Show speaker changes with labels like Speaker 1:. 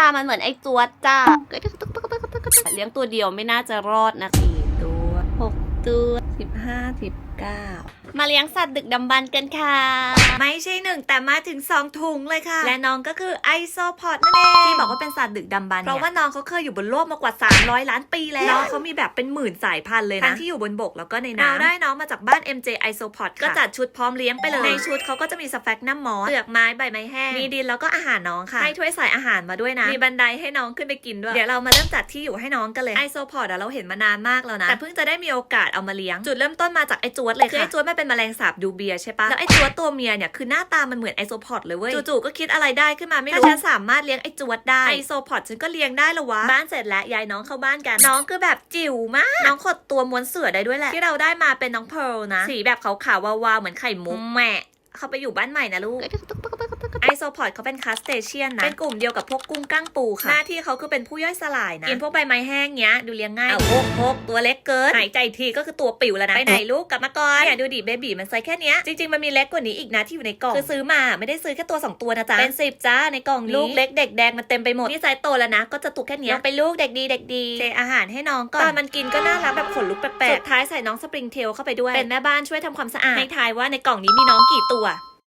Speaker 1: ตามันเหมือนไอ้จวดจ้าเลี้ยงตัวเดียวไม่น่าจะรอดนะ4 ตัว6 ตัว15 19มาเลี้ยงสัตว์ดึกดำบรรพ์กันค่ะ
Speaker 2: ไม่ใช่1แต่มาถึง2ถุงเลยค่ะและน้องก็คือไอโซพอดนั่นเองที่บอกว่าเป็นสัตว์ดึกดำบรรพ์เพราะว่าน้องเขาเคยอยู่บนโลกมากว่า300 ล้านปีแล้วน้องเขามีแบบเป็นหมื่นสายพันธุ์เลยนะทั้งที่อยู่บนบกแล้วก็ในน้ำเราได้น้องมาจากบ้าน MJ Isopod ก็จัดชุดพร้อมเลี้ยงไปเลยในชุดเขาก็จะมีสแฟกนัมมอสเปลือกไม้ใบไม้แห้งมีดินแล้วก็อาหารน้องค่ะให้ถ้วยใส่อาหารมาด้วยนะมีบันไดให้น้องขึ้นไปกินด้วยเดี๋ยวเรามาเริ่มจัดที่อยู่ให้น้องกันเลยไอโซพอดเราเห็นมานานมากแล้วนะแต่เพิ่งจะได้มีโอกาสเอามาเลี้ยงจุดเริ่มต้นมาจากไอจวดเลยค่ะคือไอจวดมันเป็นแมลงสาบดูเบียใช่ปะแล้วไอจวดตัวเมียเนี่ยคือหน้าตามันเหมือนไอโซพอดเลยเว้ยจู่ๆก็คิดอะไรได้ขึ้นมาไม่รู้ถ้าฉันสามารถเลี้ยงไอจวดได้ไอโซพอดฉันก็เลี้ยงได้ละวะบ้านเสร็จแล้วยายน้องเข้าบ้านกันน้องคือแบบจิ๋วมากน้องขดตัวม้วนเสื่อได้ด้วยแหละที่เราได้มาเป็นน้องเพร์ลนะสีแบบขาวๆวาวๆเหมือนไข่มุกแหม่เขาไปอยู่บ้านใหม่นะลูกไอโซพอดเขาเป็นคาสเตเชียนนะเป็นกลุ่มเดียวกับพวกกุ้งกั้งปูค่ะหน้าที่เขาคือเป็นผู้ย่อยสลายนะกินพวกใบไม้แห้งเงี้ยดูเลี้ยงง่ายพกตัวเล็กเกินหายใจทีก็คือตัวปิ๋วแล้วนะไปไหนลูกกลับมาก่อนเนี่ยดูดิเบบีมันไซส์แค่เนี้ยจริงๆมันมีเล็กกว่านี้อีกนะที่อยู่ในกล่องคือซื้อมาไม่ได้ซื้อแค่ตัว2ตัวนะจ๊ะเป็น10จ้าในกล่องนี้ลูกเล็กเด็กแดงมันเต็มไปหมดนี่ไซส์โตแล้วนะก็จะตุกแค่เนี้ยไปลูกเด็กดีเด็กดีเทอาหารให้น้องก่อนตอนมันกินก็น่ารักแบบขนลุกแปลกๆสุดท้ายใส่น้องสปริงเทลเข้าไปด้วยเป็นแม่บ้านช่วยทำความสะอาดให้ทายว่าในกล่องนี้มีน้องกี่ตัว